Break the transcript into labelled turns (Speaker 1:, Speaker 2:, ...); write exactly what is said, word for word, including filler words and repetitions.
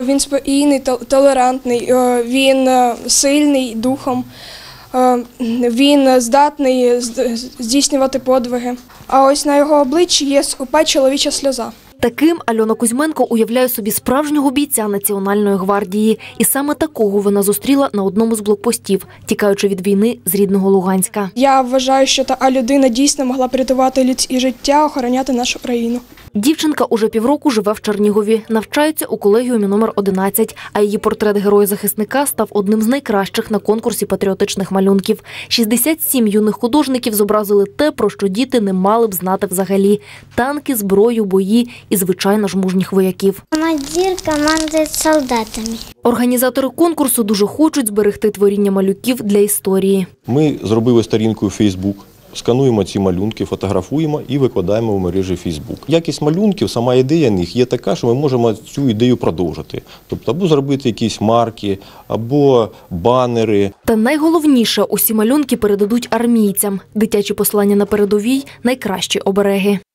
Speaker 1: Він спокійний, толерантний, він сильний духом, він здатний здійснювати подвиги. А ось на його обличчі є скупа чоловіча сльоза.
Speaker 2: Таким Альона Кузьменко уявляє собі справжнього бійця Національної гвардії. І саме такого вона зустріла на одному з блокпостів, тікаючи від війни з рідного Луганська.
Speaker 1: Я вважаю, що та людина дійсно могла б рятувати людське життя, охороняти нашу країну.
Speaker 2: Дівчинка уже півроку живе в Чернігові, навчається у колегіумі номер одинадцять, а її портрет героя-захисника став одним з найкращих на конкурсі патріотичних малюнків. шістдесят сім юних художників зобразили те, про що діти не мали б знати взагалі – танки, зброю, бої і, звичайно ж, мужніх вояків.
Speaker 3: Командир командує солдатами.
Speaker 2: Організатори конкурсу дуже хочуть зберегти творіння малюків для історії.
Speaker 4: Ми зробили сторінку у Фейсбук. Скануємо ці малюнки, фотографуємо і викладаємо в мережі Фейсбук. Якість малюнків, сама ідея них є така, що ми можемо цю ідею продовжити. Тобто або зробити якісь марки, або банери.
Speaker 2: Та найголовніше – усі малюнки передадуть армійцям. Дитячі послання на передовій – найкращі обереги.